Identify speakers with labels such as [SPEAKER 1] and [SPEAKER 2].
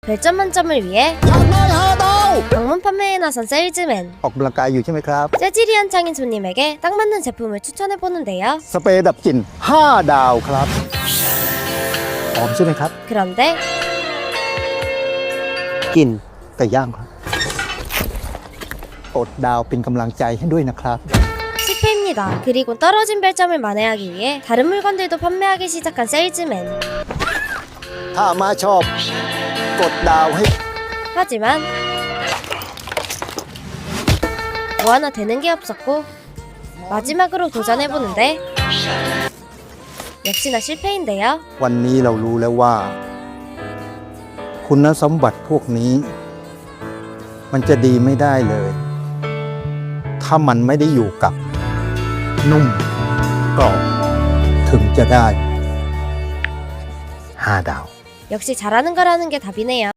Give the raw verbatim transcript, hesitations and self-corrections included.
[SPEAKER 1] 별점 만점을 위해 방문 판매에 나선 세일즈맨.
[SPEAKER 2] ออกกำลังกายอยู่ใช่ไหมครับ
[SPEAKER 1] 재질이 한창인 손님에게 딱 맞는 제품을 추천해보는데요.
[SPEAKER 2] สเปรย์ดับกลิ่นห้าดาวครับหอมใช่ไหมครับ
[SPEAKER 1] 그런데
[SPEAKER 2] กลิ่นไก่ย่างครับกดดาวเป็นกำลังใจให้ด้วยนะครับ
[SPEAKER 1] 실패입니다. 그리고 떨어진 별점을 만회하기 위해 다른 물건들도 판매하기 시작한 세일즈맨.
[SPEAKER 2] ถ้ามาชอบกดดาวให้
[SPEAKER 1] 하지만 뭐 하나 되는 게 없었고 마지막으로 도전해보는데 역시나 실패인데요.
[SPEAKER 2] วันนี้เรารู้แล้วว่า คุณสมบัติพวกนี้ มันจะดีไม่ได้เลย ถ้ามันไม่ได้อยู่กับ นุ่มกรอบถึงจะได้ห้าดาว
[SPEAKER 1] 역시 잘하는 거라는 게 답이네요.